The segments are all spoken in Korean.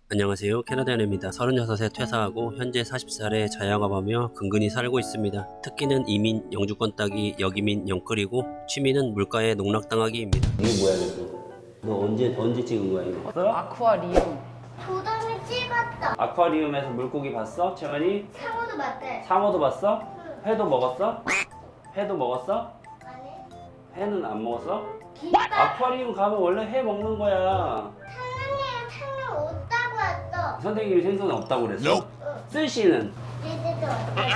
안녕하세요. 캐나다인입니다. 36세 퇴사하고 현재 40살에 자영업하며 근근히 살고 있습니다. 특기는 이민, 영주권 따기, 역이민, 영끌이고 취미는 물가에 농락당하기입니다. 이게 뭐야 이거? 너 언제 찍은 거야 이거? 아쿠아리움. 도담이 찍었다. 아쿠아리움에서 물고기 봤어? 채원이? 상어도 맞대. 상어도 봤어? 회도 먹었어? 회도 먹었어? 아니. 회는 안 먹었어? 김밥. 아쿠아리움 가면 원래 회 먹는 거야. 상어님 상어 없다고 했어. 선생님이 생선 없다고 그랬어? 스시는? 얘들도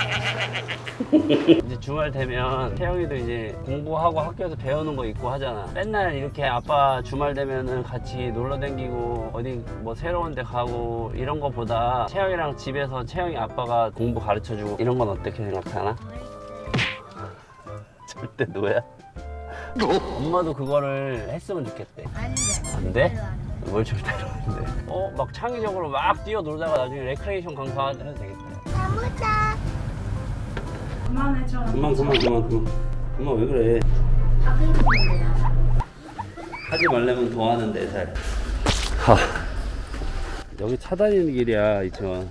이제 주말 되면 태영이도 이제 공부하고 학교에서 배우는 거 있고 하잖아. 맨날 이렇게 아빠 주말 되면은 같이 놀러 다니고 어디 뭐 새로운 데 가고 이런 거보다 채영이랑 집에서 채영이 아빠가 공부 가르쳐 주고 이런 건 어떻게 생각하나? 절대 노야. 엄마도 그거를 했으면 좋겠대. 안 돼? 뭘 절대로 안 돼. 막 창의적으로 막 뛰어놀다가 나중에 레크레이션 강사 해도 되겠다. 가보자. 그만해줘. 그만 왜 그래? 아 그리고 하지 말라면 더 하는데 잘. 여기 차 다니는 길이야 이천.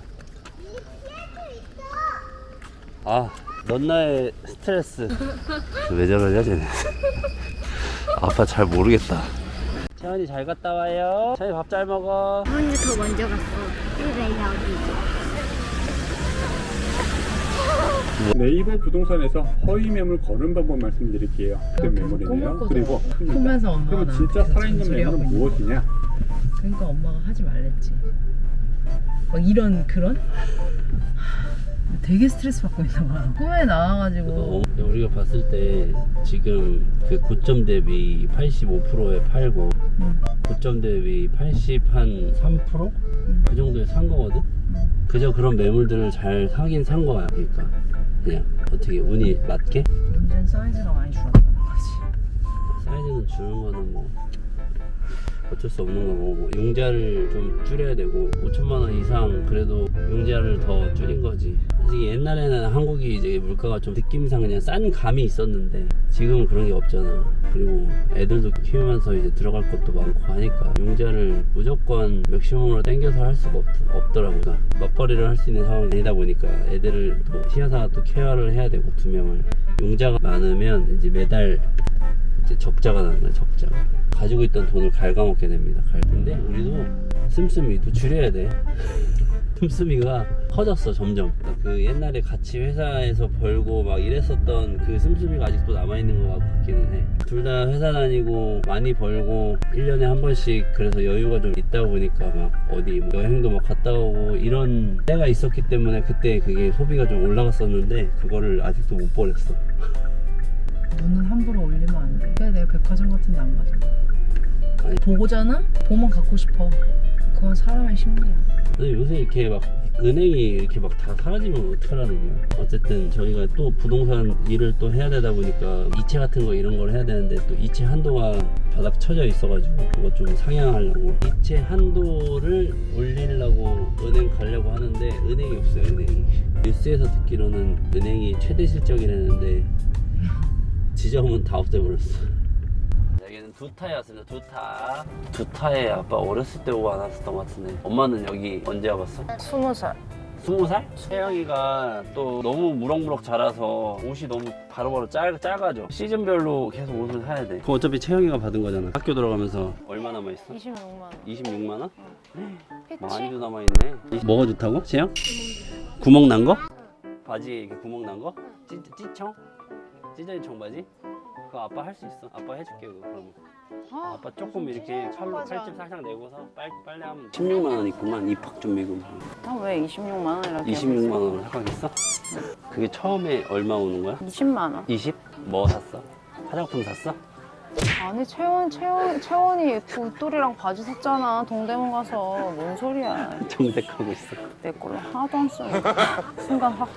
넌 나의 스트레스. 왜 저러냐 쟤네. 아빠 잘 모르겠다. 채원이 잘 갔다 와요. 채원이 밥 잘 먹어. 언니 더 먼저 갔어. 왜 여기? 네이버 부동산에서 허위 매물 거는 방법 말씀드릴게요. 어떤 매물이네요. 그리고 크면서 엄마가 그럼 진짜 나한테 살아있는 잔소리 하고 매물은 있는 무엇이냐? 그러니까 엄마가 하지 말랬지. 막 이런 그런? 되게 스트레스 받고 있나 봐. 꿈에 나와가지고 우리가 봤을 때 지금 그 고점 대비 85%에 팔고 고점 대비 80한 3%? 그 정도에 산 거거든? 그저 그런 매물들을 잘 사긴 산 거야. 그러니까 그냥 어떻게 운이 맞게? 문제는 사이즈가 많이 줄었다는 거지. 사이즈는 주는 거는 뭐 어쩔 수 없는 거고, 뭐 용자를 좀 줄여야 되고 5천만 원 이상 그래도 용자를 더 줄인 거지. 솔직히 옛날에는 한국이 이제 물가가 좀 느낌상 그냥 싼 감이 있었는데 지금은 그런 게 없잖아. 그리고 애들도 키우면서 이제 들어갈 것도 많고 하니까 용자를 무조건 맥시멈으로 당겨서 할 수가 없더라고. 그러니까 맞벌이를 할 수 있는 상황이 아니다 보니까 애들을 또 시야사 또 케어를 해야 되고 2명을. 용자가 많으면 이제 매달 이제 적자가 나는 거야. 적자가 가지고 있던 돈을 갉아먹게 됩니다. 근데 우리도 씀씀이도 줄여야 돼. 씀씀이가 커졌어 점점. 그 옛날에 같이 회사에서 벌고 막 이랬었던 그 씀씀이가 아직도 남아있는 것 같기는 해. 둘 다 회사 다니고 많이 벌고 1년에 한 번씩 그래서 여유가 좀 있다 보니까 막 어디 뭐 여행도 막 갔다 오고 이런 때가 있었기 때문에 그때 그게 소비가 좀 올라갔었는데 그거를 아직도 못 버렸어. 눈은 함부로 올리면 안 돼. 그래 내가 백화점 같은 데 안 가잖아. 아니. 보고잖아? 보면 갖고 싶어. 그건 사람의 심리야. 근데 요새 이렇게 막 은행이 이렇게 막 다 사라지면 어떡하라는 거야. 어쨌든 저희가 또 부동산 일을 또 해야 되다 보니까 이체 같은 거 이런 걸 해야 되는데 또 이체 한도가 바닥 쳐져 있어가지고 그거 좀 상향하려고 이체 한도를 올리려고 은행 가려고 하는데 은행이 없어요. 은행이. 뉴스에서 듣기로는 은행이 최대 실적이라는데 지점은 다 없애버렸어. 여기는 두타였습니다. 두타에 아빠 어렸을 때 오고 안 왔었던 것 같은데. 엄마는 여기 언제 와봤어? 20살. 20살? 채영이가 또 너무 무럭무럭 자라서 옷이 너무 바로바로 작아져. 시즌별로 계속 옷을 사야 돼. 그거 어차피 채영이가 받은 거잖아. 학교 들어가면서. 얼마 남아있어? 26만 원. 26만 원? 그치? 많이도 남아있네. 뭐가 좋다고? 채영? 구멍 난 거? 바지에 이렇게 구멍 난 거? 찌청? 찢어진 청바지? 그거 아빠 할 수 있어. 아빠 해줄게 그거 그러면. 아빠 조금 이렇게 칼집 살짝 내고서 빨래하면 16만 원 있구만. 입학 준비금. 왜 26만 원이라고? 26만 원을 생각했어? 그게 처음에 얼마 오는 거야? 20만 원. 20? 뭐 샀어? 화장품 샀어? 아니 채원이 굿돌이랑 바지 샀잖아. 동대문 가서. 뭔 소리야. 정색하고 있어. 내 걸로 하나도 안 쓰니까 순간 확.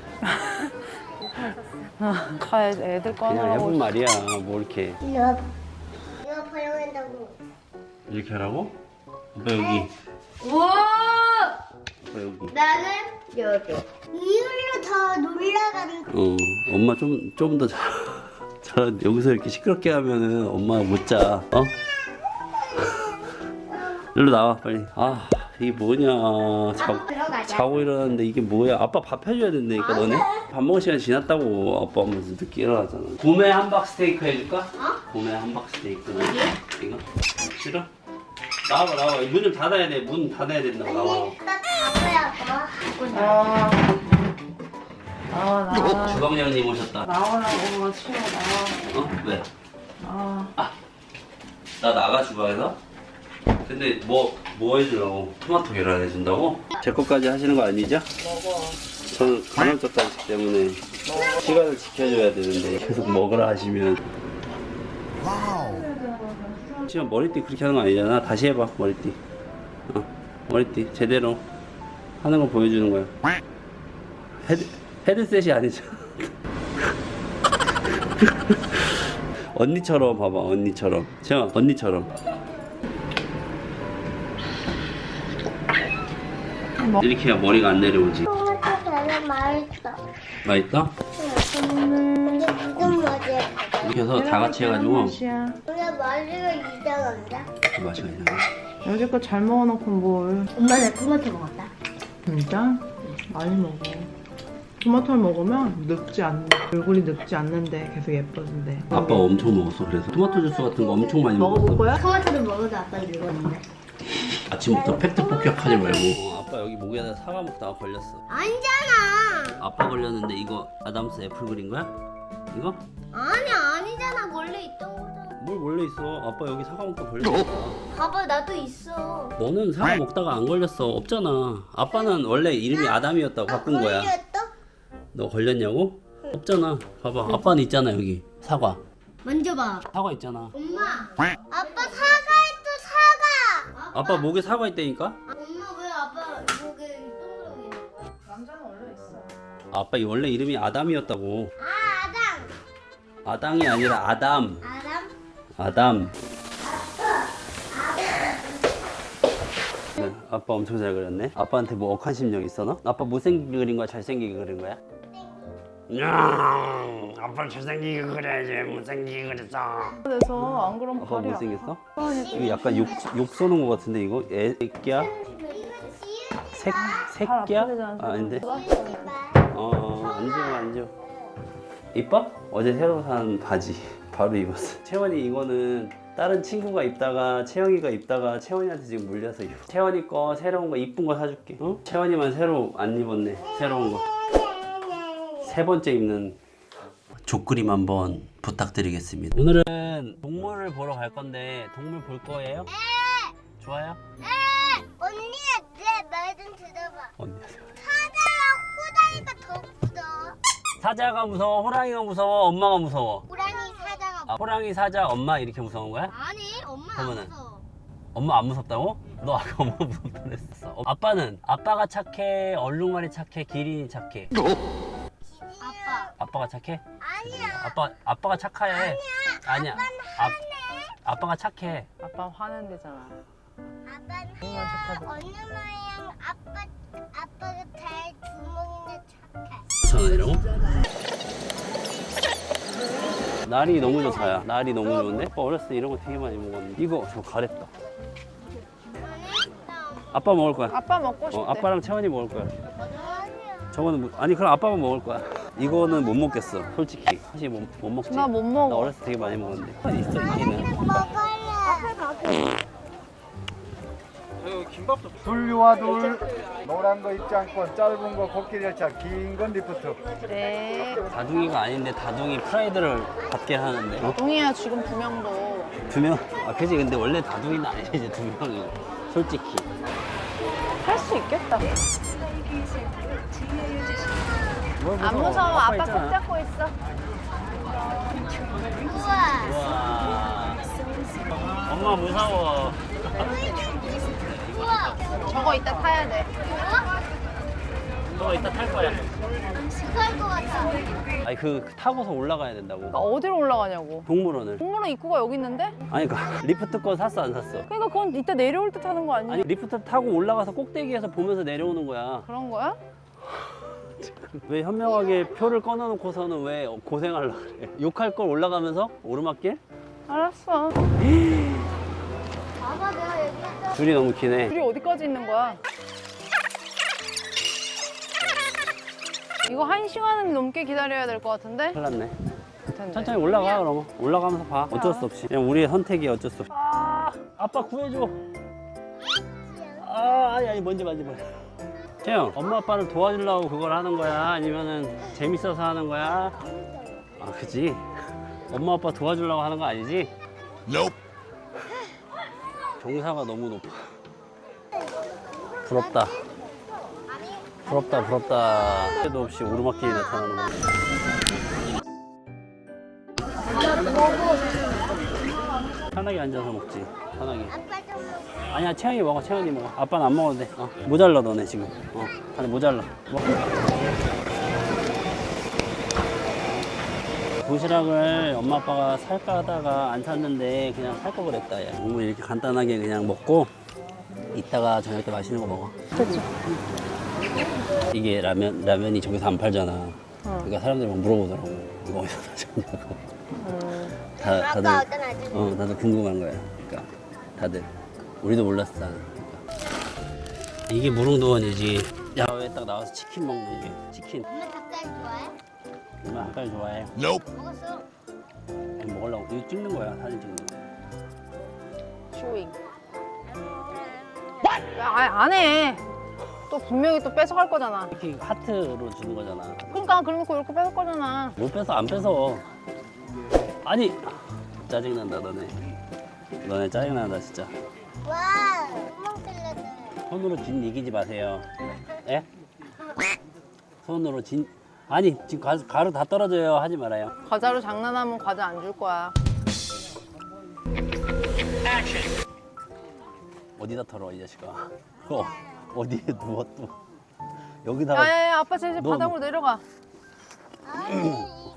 다 애들 거 그냥 하느라고. 해본 말이야. 뭐 이렇게 이거 발용한다고. 이렇게 하라고? 아빠 여기. 우와! 아빠 여기. 나는 여기. 이걸로 더 놀라가는. 엄마 좀 더 잘 여기서 이렇게 시끄럽게 하면은 엄마가 못 자. 일로 나와 빨리. 이게 뭐냐. 자고 일어났는데 이게 뭐야. 아빠 밥 해줘야 된다니까 너네. 밥 먹을 시간 지났다고 아빠 하면서 늦게 일어나잖아. 봄에 함박 스테이크 해줄까? 봄에 함박 스테이크. 이거? 싫어? 나와봐. 문 좀 닫아야 돼. 문 닫아야 된다고. 나와. 나와. 주방장님 오셨다. 나오라고 치워 나와. 왜? 나와. 나 나가 주방에서? 근데 뭐 해주려고? 토마토 계란 해준다고? 제 것까지 하시는 거 아니죠? 먹어. 저는 간헐적 단식 때문에 시간을 지켜줘야 되는데 계속 먹으라 하시면 지금 머리띠 그렇게 하는 거 아니잖아. 다시 해봐 머리띠. 머리띠 제대로 하는 거 보여주는 거야. 헤드셋이 아니죠. 언니처럼 봐봐. 언니처럼. 채영아 언니처럼. 이렇게 해야 머리가 안 내려오지. 토마토 계란 맛있어. 맛있다? 근데 무슨 맛이야? 이렇게 해서 다 같이 해가지고 근데 맛이가 이상한데? 맛이가 이상해. 여지껏 잘 먹어놓고 뭘. 엄마 나 토마토 먹었다. 진짜? 많이 먹어. 토마토를 먹으면 얼굴이 늙지 않는데 계속 예뻐진대. 아빠가 엄청 먹었어. 그래서 토마토 주스 같은 거 엄청 많이 먹어볼 먹었어. 거야? 토마토를 먹어도 아빠는 늙었는데. 아침부터 팩트 폭격하지 말고. 아빠 여기 목에다 사과 먹다가 걸렸어. 아니잖아. 아빠 걸렸는데 이거 아담스 애플 그린 거야? 이거? 아니잖아. 원래 있던 거잖아. 뭘 원래 있어. 아빠 여기 사과 먹다 걸렸어. 봐봐, 나도 있어. 너는 사과 먹다가 안 걸렸어. 없잖아. 아빠는 원래 이름이 아담이었다고 바꾼 거야. 걸렸어? 너 걸렸냐고? 없잖아. 봐봐. 아빠는 있잖아 여기. 사과. 만져봐. 사과 있잖아. 엄마. 아빠 사과했어, 사과. 아빠 목에 사과 있다니까? 엄마 왜 아빠 목에 동그라미 있는 거야? 남자는 원래 있어. 아빠 원래 이름이 아담이었다고. 아담. 아당이 아니라 아담. 아담? 아담. 네, 아빠 엄청 잘 그렸네. 아빠한테 뭐 억한 심정 있어 너? 아빠 못생기게 그린 거야? 잘생기게 그린 거야? 아빠 잘생기게 그려야지. 못생기게 그렸어. 그래서 안 그러면 아빠 발이 못생겼어? 이거 약간 욕 쏘는 거 같은데 이거? 애기야? 새끼야? 아, 아닌데? 앉아. 이뻐? 어제 새로 산 바지 바로 입었어. 채원이 이거는 다른 친구가 입다가 채영이가 입다가 채원이한테 지금 물려서 입어. 채원이 거 새로운 거 이쁜 거 사줄게. 응? 채원이만 새로 안 입었네. 새로운 거. 세 번째 입는 족그림 한번 부탁드리겠습니다. 오늘은 동물을 보러 갈 건데 동물 볼 거예요? 좋아요? 언니야, 내 말 좀 들어봐. 언니. 사자랑 호랑이가 더 무서워. 사자가 무서워? 호랑이가 무서워? 엄마가 무서워? 호랑이 사자가 아, 호랑이, 사자, 엄마 이렇게 무서운 거야? 아니, 엄마 안 그러면은? 무서워. 엄마 안 무섭다고? 너 아까 엄마 무섭다 그랬어. 아빠는? 아빠가 착해? 얼룩말이 착해? 기린이 착해? 아빠. 아빠가 착해? 아니야. 아빠가 착해. 아니야. 아빠가 착해. 아빠 화낸 데잖아. 아빠는 어느 모양 아빠가 달 주먹인데 착해. 5,000원이라고? 날이 너무 좋다야. 날이 너무 좋은데? 아빠 어렸을 때 이런 거 되게 많이 먹었는데. 이거 저 가랬다. 아빠 먹을 거야. 아빠 먹고 싶대. 아빠랑 채원이 먹을 거야. 아니야. 저거는 아니 그럼 아빠만 먹을 거야. 이거는 못 먹겠어. 솔직히. 사실 못 먹지. 나 못 나 먹어. 어렸을 때 되게 많이 먹었는데. 있어 있기는. 먹을래. 둘류와 둘 노란 거 입장권 짧은 거 코끼리 열차 긴 건 리프트 네. 다둥이가 아닌데 다둥이 프라이드를 받게 하는데. 동이야 지금 2명도. 2명? 아 그지. 근데 원래 다둥이는 아니지 이제 2명이. 솔직히. 할 수 있겠다. 안 무서워. 아빠 꼭 잡고 있어. 우와. 우와. 엄마 무서워. 우와. 저거 이따 타야 돼. 너 이따 탈 거야. 그럴 것 같아. 아니 그 타고서 올라가야 된다고. 그러니까 어디로 올라가냐고. 동물원을. 동물원 입구가 여기 있는데? 아니 그 리프트 거 샀어 안 샀어? 그러니까 그건 이따 내려올 때 타는 거 아니야? 아니 리프트 타고 올라가서 꼭대기에서 보면서 내려오는 거야. 그런 거야? 왜 현명하게 표를 꺼내놓고서는 왜 고생하려고 그래? 욕할 걸 올라가면서 오르막길? 알았어. 봐봐, 내가 얘기했잖아. 줄이 너무 기네. 줄이 어디까지 있는 거야? 이거 1시간은 넘게 기다려야 될 것 같은데? 큰일 났네. 텐데. 천천히 올라가 그러면. 올라가면서 봐. 어쩔 수 없이. 그냥 우리의 선택이 어쩔 수 없이. 아, 아빠 구해줘. 아니 먼저 만지 마. 태영, 엄마 아빠를 도와주려고 그걸 하는 거야? 아니면은 재밌어서 하는 거야? 아, 그치? 엄마 아빠 도와주려고 하는 거 아니지? 경사가 너무 높아. 부럽다. 부럽다. 때도 없이 오르막길이 나타나는 거. 편하게 앉아서 먹지. 편하게. 아빠 좀 먹어. 아니야, 채영이 먹어. 채영이 먹어. 아빠는 안 먹어도 돼. 모자라 너네 지금. 아니 모자라. 도시락을 엄마 아빠가 살까 하다가 안 샀는데 그냥 살 거 그랬다. 야. 뭐 이렇게 간단하게 그냥 먹고 이따가 저녁 때 맛있는 거 먹어. 그치. 이게 라면이 저기서 안 팔잖아. 그러니까 사람들이 막 물어보더라고. 이거 어디서 사셨냐고. 다들 아까 어떤 아줌마. 다들 궁금한 거야. 그러니까 다들 우리도 몰랐어. 그러니까. 이게 무릉도원이지. 야외에 딱 나와서 치킨 먹는 게 치킨. 엄마 닭다리 좋아해? 엄마 닭다리 좋아해. 먹었어. 이거 먹으려고 이거 찍는 거야. 사진 찍는 거. 쇼잉. 야, 안 해. 또 분명히 또 뺏어갈 거잖아. 이렇게 하트로 주는 거잖아. 그러니까 그러놓고 이렇게 뺏을 거잖아. 못 뺏어 안 뺏어. 아니 짜증난다 너네. 너네 짜증난다 진짜. 와, 구멍 뚫렸네. 손으로 진 이기지 마세요. 예? 손으로 진 아니 지금 가루 다 떨어져요. 하지 말아요. 과자로 장난하면 과자 안 줄 거야. 어디다 털어 이 자식아. 어디에 누워 또 여기다가. 야야야 아빠 제일 너, 바닥으로 내려가. 아니, 이거.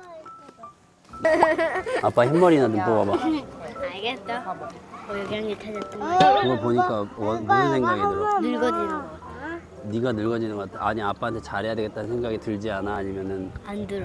아빠 흰머리나 좀 야. 뽑아봐. 알겠어. 여기 한개 찾았던 거. 그거 보니까 무슨 생각이 들어? 늙어지는 거. 네가 늙어지는 것 같아. 아니 아빠한테 잘해야 되겠다는 생각이 들지 않아? 아니면은 안 들어.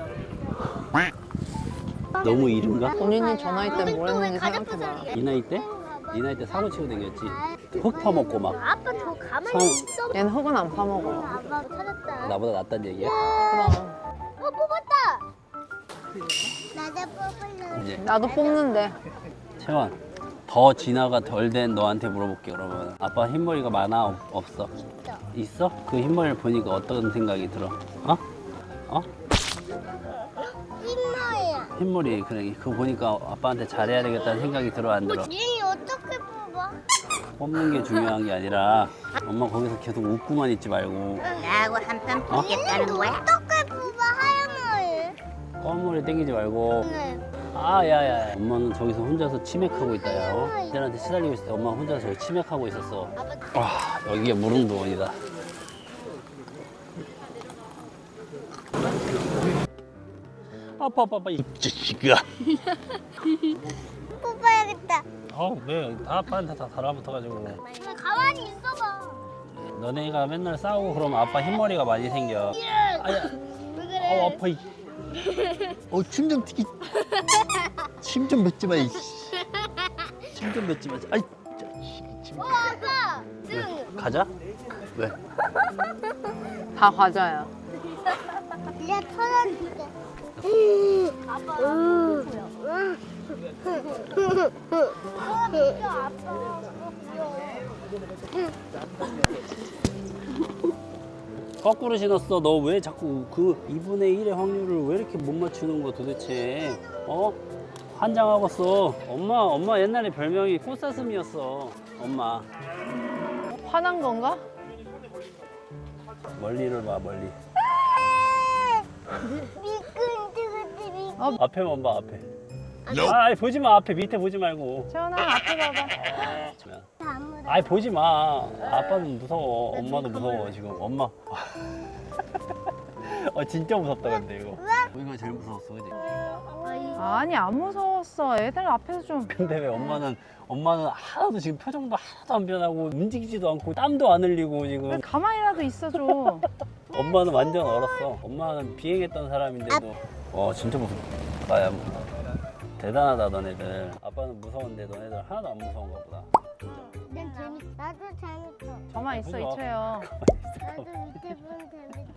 너무 이른가? 본인이 저 나이 때 뭘 했는지 생각해봐. 이 나이 때? 이 나이 때 사고 치고 다녔지. 흙 퍼먹고 막. 아빠 저 가만히 성- 있어. 얘는 흙은 안 파먹어. 아빠 찾았다. 나보다 낫단 얘기야? 그럼 뽑았다. 나도 뽑을래. 이제 나도 뽑는데. 채원 더 진화가 덜 된 너한테 물어볼게. 그러면 아빠 흰머리가 많아? 없어? 있어? 그 흰머리를 보니까 어떤 생각이 들어? 흰머리야. 흰머리 그래 그거 보니까 아빠한테 잘해야 되겠다는 생각이 들어 안 들어? 얘 어떻게 뽑아? 뽑는 게 중요한 게 아니라 엄마 거기서 계속 웃고만 있지 말고 나하고 한판 뽑겠다는 거야? 어떻게 뽑아 하얀 머리? 검은 머리 땡기지 말고. 네. 야야 엄마는 저기서 혼자서 치맥하고 있다. 야 애들한테 시달리고 있을 때 엄마 혼자서 저기 치맥하고 있었어. 와 여기가 무릉도원이다. 아빠 이 자식아. 뽑아야겠다. 왜 다 아빠한테 다 달라붙어가지고. 가만히 있어봐. 너네가 맨날 싸우고 그러면 아빠 흰머리가 많이 생겨. 아야 왜 그래? 아파. 침 좀 튀기. 침 좀 뱉지 마. 침 좀 뱉지 마. 아이. 아빠. 등. 가자. 왜? 다 과자야. 이제 털어줄게. 아빠. 거꾸로 신었어. 너 왜 자꾸 그 2분의 1의 확률을 왜 이렇게 못 맞추는 거 도대체? 환장하겠어. 엄마 옛날에 별명이 꽃사슴이었어. 엄마. 화난 건가? 멀리를 봐 멀리. 미끈뜨끈뜨 앞에만 봐 앞에. 아이 보지 마 앞에 밑에 보지 말고. 채원아 앞에 봐봐. 미끈. 보지 마. 아빠는 무서워. 엄마도 무서워 지금. 엄마. 진짜 무섭다 근데 이거. 이거 제일 무서웠어 그지? 아니 안 무서웠어. 애들 앞에서 좀. 근데 왜 엄마는 하나도 지금 표정도 하나도 안 변하고 움직이지도 않고 땀도 안 흘리고 지금. 가만히라도 있어줘. 엄마는 완전 얼었어. 엄마는 비행했던 사람인데도. 진짜 무섭다. 야 대단하다 너네들. 아빠는 무서운데 너네들 하나도 안 무서운가 보다. 난 재밌어. 나도 재밌어. 저만 있어 그죠? 이채영. 나도 밑에 보면 재밌어.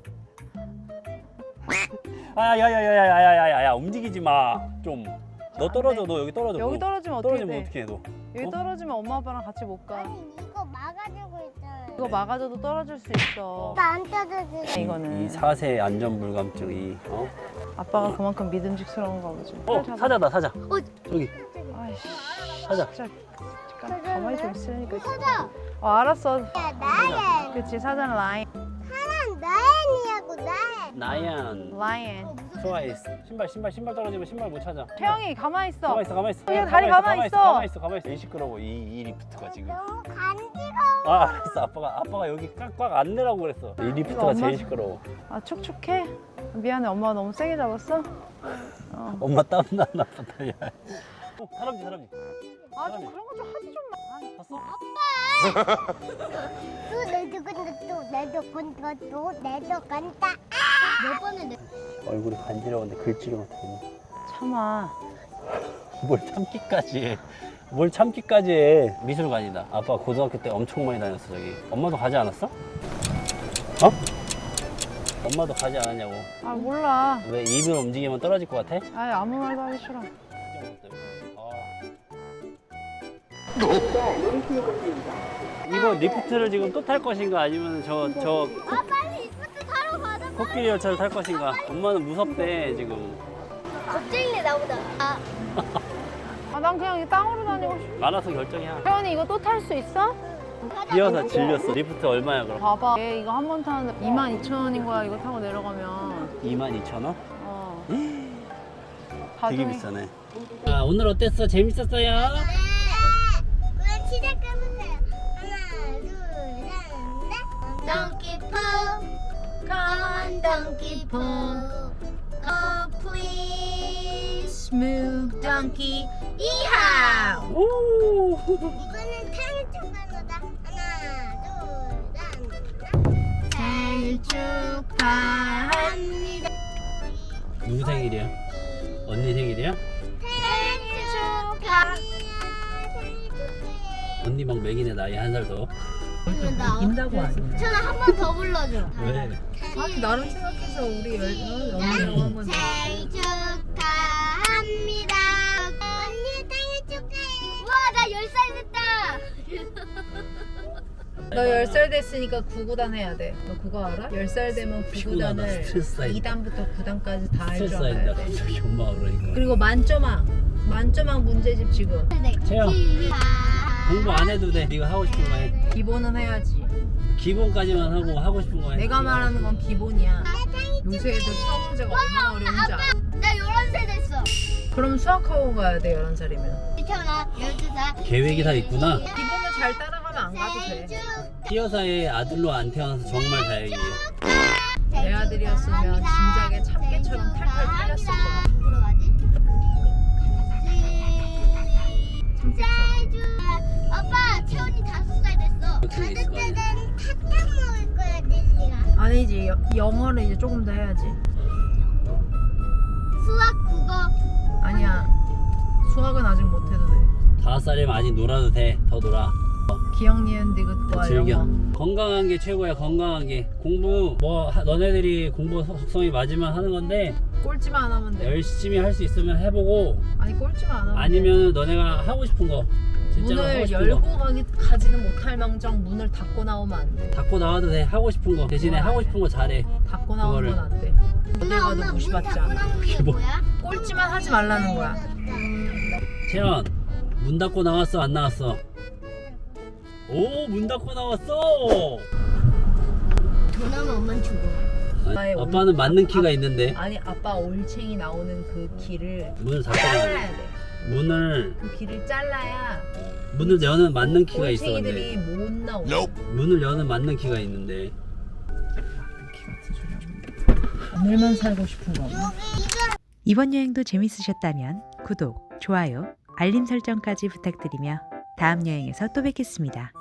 야야야야야야야야 움직이지 마. 좀. 너 떨어져. 너 여기 떨어져. 여기 너. 떨어지면 어떻게 떨어지면 돼? 어떻게 해 너? 여기 어? 떨어지면 엄마 아빠랑 같이 못 가. 아니 이거 막아주고 있잖아. 이거 막아줘도 떨어질 수 있어. 나안 떠들지. 이거는 이 4세 안전불감증이 아빠가 그만큼 믿음직스러운가 보지. 사자다 사자. 저기 아이씨, 사자. 진짜 잠깐 가만히 좀 있으니까. 사자. 알았어. 야 나연. 그치 사자는 라인. 사람 나연이라고 나연. 나얀. 라인. 트와이스. 신발 떨어지면 신발 못 찾아. 태영이 가만히 있어. 가만히 있어. 그냥 다리 가만히 있어. 가만히 있어. 이 시끄러워. 이 리프트가 지금. 너무 간지러워. 아 알았어. 아빠가 여기 꽉꽉 안 내라고 그랬어. 이 리프트가 엄마? 제일 시끄러워. 아 촉촉해? 미안해 엄마가 너무 세게 잡았어? 엄마 땀 나나 보다. 야. 사람지. 아 좀 그런 거 좀 하지 좀 마. 봤어? 내도 간다. 몇 번을 내? 얼굴이 간지러운데 글씨를 못하겠네. 참아. 뭘 참기까지 해. 미술관이다. 아빠 고등학교 때 엄청 많이 다녔어 저기. 엄마도 가지 않았어? 어? 엄마도 가지 않았냐고. 아 몰라. 왜 입을 움직이면 떨어질 것 같아? 아예 아무 말도 하기 싫어. 이거 리프트를 지금 또 탈 것인가 아니면 저 아 빨리 리프트 타러 가자. 코끼리 열차를 탈 것인가? 엄마는 무섭대 지금. 겁쟁이네 나보다. 아 아 난 그냥 이 땅으로 다니고 싶어. 알아서 결정이야. 태연이 이거 또 탈 수 있어? 뛰어서 질렸어. 리프트 얼마야 그럼? 봐봐. 얘 이거 한 번 타는데 22,000원인 거야. 이거 타고 내려가면. 22,000원? 어. 되게 가족이- 비싸네. 아 오늘 어땠어? 재밌었어요? 그럼 시작해보세요. 하나, 둘, 셋, 넷. Donkey Poo, come on, Donkey Poo. Oh, please move, Donkey. 이하우. 오. 이거는 생일 축하합니다. 하나, 둘, 셋. 생일 축하합니다. 누구 생일이야? 언니 생일이야? 생일 축하합니다. 생일 축하해. 언니 막 맥이네 나이 한 살 더. 인다고 아니야. 저는 한 번 더 불러줘. 왜? 아니 나름 생각해서 우리 언니라고 한 건데. 생일 축하합니다. 언니 생일 축하해. 와, 나 10살 됐다. 너 10살 됐으니까 9구단 해야 돼. 너 그거 알아? 10살 되면 피곤하다. 9구단을 스트레스 쌓인다. 2단부터 9단까지 다 할 스트레스 줄 쌓인다 알아야 돼. 갑자기 엄마가 그러니까. 그리고 만점왕 문제집 지금. 채영 공부 안 해도 돼. 네가 하고 싶은 거 해. 기본은 해야지. 기본까지만 하고 싶은 거 해. 내가 말하는 건 기본이야. 요새 애들 수학 문제가 얼마나 어려운지 알아? 나 11살 됐어. 그럼 수학학원 가야 돼 11살이면. 태어나 12살. 계획이 다 있구나. 기본을 잘 따라가면 안 가도 돼. 띠여사의 아들로 안 태어나서 정말 다행이에요. 내 아들이었으면 진작에 참깨처럼 탈탈 털렸을 거야. 아빠, 채원이 5살 됐어. 그렇게 있을 거 아니야. 가족들은 사탕 먹을 거야, 릴리가. 아니지 영어를 이제 조금 더 해야지. 수학, 국어. 아니야 수학은 아직 못해도 돼. 5살이면 아직 놀아도 돼. 더 놀아. 기억 니은 디귿과 즐겨. 영어. 건강한 게 최고야. 건강한 게. 공부 너네들이 공부 속성이 맞으면 하는 건데 꼴찌만 안 하면 돼. 열심히 할 수 있으면 해보고 아니 꼴찌만 안 하면 돼. 아니면 너네가 하고 싶은 거 진짜로 하고 문을 싶은 열고 거 가지는 못할 망정 문을 닫고 나오면 안 돼. 닫고 나와도 돼. 하고 싶은 거 대신에 하고 싶은 거 잘해. 닫고 나오는 그거를. 건 안 돼. 어딜 가도 무시받지 않아. 게 뭐- 뭐야? 꼴찌만 하지 말라는 거야. 채연 문 닫고 나왔어 안 나왔어? 오 문 닫고 나왔어. 전화면 엄만 죽어. 나의 아빠는 맞는 키가 있는데 아니 아빠 올챙이 나오는 그 길을 문을 닫고 잘라야 돼. 문을 그 길을 잘라야 여는 맞는 키가 있어. 올챙이들이 근데 못 나오. 문을 여는 맞는 키가 있는데 오늘만 살고 싶은 거. 이번 여행도 재밌으셨다면 구독, 좋아요, 알림 설정까지 부탁드리며 다음 여행에서 또 뵙겠습니다.